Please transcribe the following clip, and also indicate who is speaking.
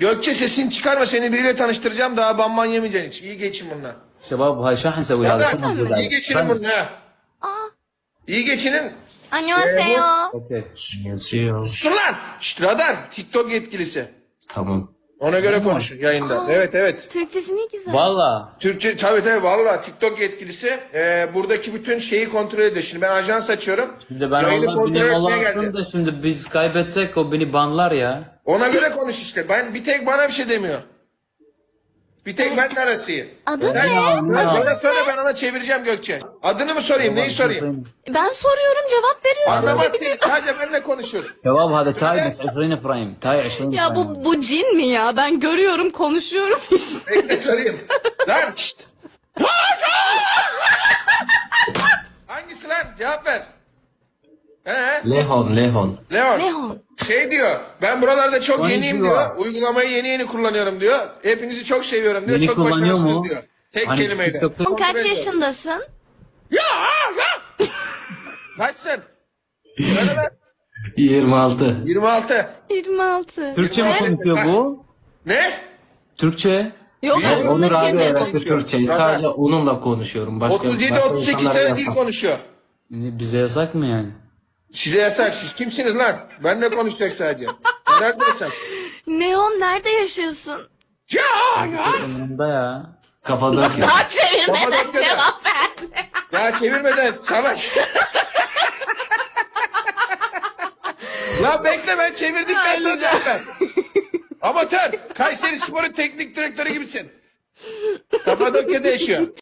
Speaker 1: Gökçe sesini çıkarma, seni biriyle tanıştıracağım, daha banman yemeyeceksin hiç. İyi geçin bununla.
Speaker 2: شباب هاي شو حنسوي هذا شو المفروض
Speaker 1: İyi geçinin bununla ha. İyi geçinin.
Speaker 3: 안녕하세요.
Speaker 2: اوكي
Speaker 1: Susun lan. Şşt, radar. TikTok yetkilisi.
Speaker 4: Tamam.
Speaker 1: Ona göre konuşun yayında. Evet.
Speaker 3: Türkçesi ne güzel.
Speaker 2: والله
Speaker 1: Türkçe tabii valla TikTok yetkilisi buradaki bütün şeyi kontrol ediyor. Şimdi ben ajans açıyorum.
Speaker 2: şimdi ben
Speaker 1: Yayını
Speaker 2: onlar
Speaker 1: kontrol
Speaker 2: benim
Speaker 1: etmeye
Speaker 2: olanlarım
Speaker 1: geldi.
Speaker 2: da şimdi biz kaybetsek o beni banlar ya.
Speaker 1: Ona göre konuş işte. Ben bir tek bana bir şey demiyor. Bir tek ben arasıyım.
Speaker 3: Adın
Speaker 1: Sen,
Speaker 3: ne?
Speaker 1: sen bana söyle, ben ona çevireceğim Gökçe. Adını mı sorayım, neyi sorayım?
Speaker 3: Ben soruyorum cevap veriyorsun.
Speaker 1: Anlamaz seni, sadece benimle konuşur.
Speaker 2: شباب هذا تاي بس 20 فريم تاي 20
Speaker 3: Ya
Speaker 2: فريم
Speaker 3: bu cin mi ya? Ben görüyorum, konuşuyorum işte.
Speaker 1: Bekle sorayım. Lan şşt. Hangisi lan? Cevap ver.
Speaker 4: Lehon.
Speaker 1: Leon.
Speaker 3: Leon.
Speaker 1: Şey diyor, ben buralarda çok yeniyim
Speaker 2: Konnichiwa.
Speaker 1: diyor. Uygulamayı yeni kullanıyorum diyor. Hepinizi çok seviyorum diyor.
Speaker 2: Beni
Speaker 1: çok
Speaker 2: kullanıyor
Speaker 1: başarılısınız
Speaker 2: mu?
Speaker 1: diyor. Tek
Speaker 2: Hani
Speaker 1: kelimeyle.
Speaker 2: TikTok'ta-
Speaker 3: Kaç yaşındasın?
Speaker 1: Ya! Kaçsın? Söyle lan.
Speaker 4: 26.
Speaker 1: 26.
Speaker 3: 26.
Speaker 2: Türkçe mi konuşuyor bu?
Speaker 1: Ne?
Speaker 2: Türkçe.
Speaker 3: Yok
Speaker 1: Biliyorum.
Speaker 3: aslında
Speaker 4: Onur abi
Speaker 3: Çince.
Speaker 4: öğretti Türkçeyi. Sadece onunla konuşuyorum. Başka
Speaker 1: 37-38
Speaker 4: insanlara
Speaker 1: tane dil
Speaker 4: yasak.
Speaker 1: konuşuyor.
Speaker 2: Bize yasak mı yani?
Speaker 1: Size yasak. Siz kimsiniz lan? Benle konuşacak sadece. Nerede yasak?
Speaker 3: Neon, nerede yaşıyorsun?
Speaker 1: Ya!
Speaker 2: Umurumda ya.
Speaker 4: Kafadaki.
Speaker 3: Daha çevirmeden
Speaker 1: Kapadokya'da.
Speaker 3: cevap ver.
Speaker 1: Ya çevirmeden savaş. Lan bekle, ben çevirdim, ben de cevap ver. Amatör. Kayseri Spor'un teknik direktörü gibisin. Kapadokya'da yaşıyor.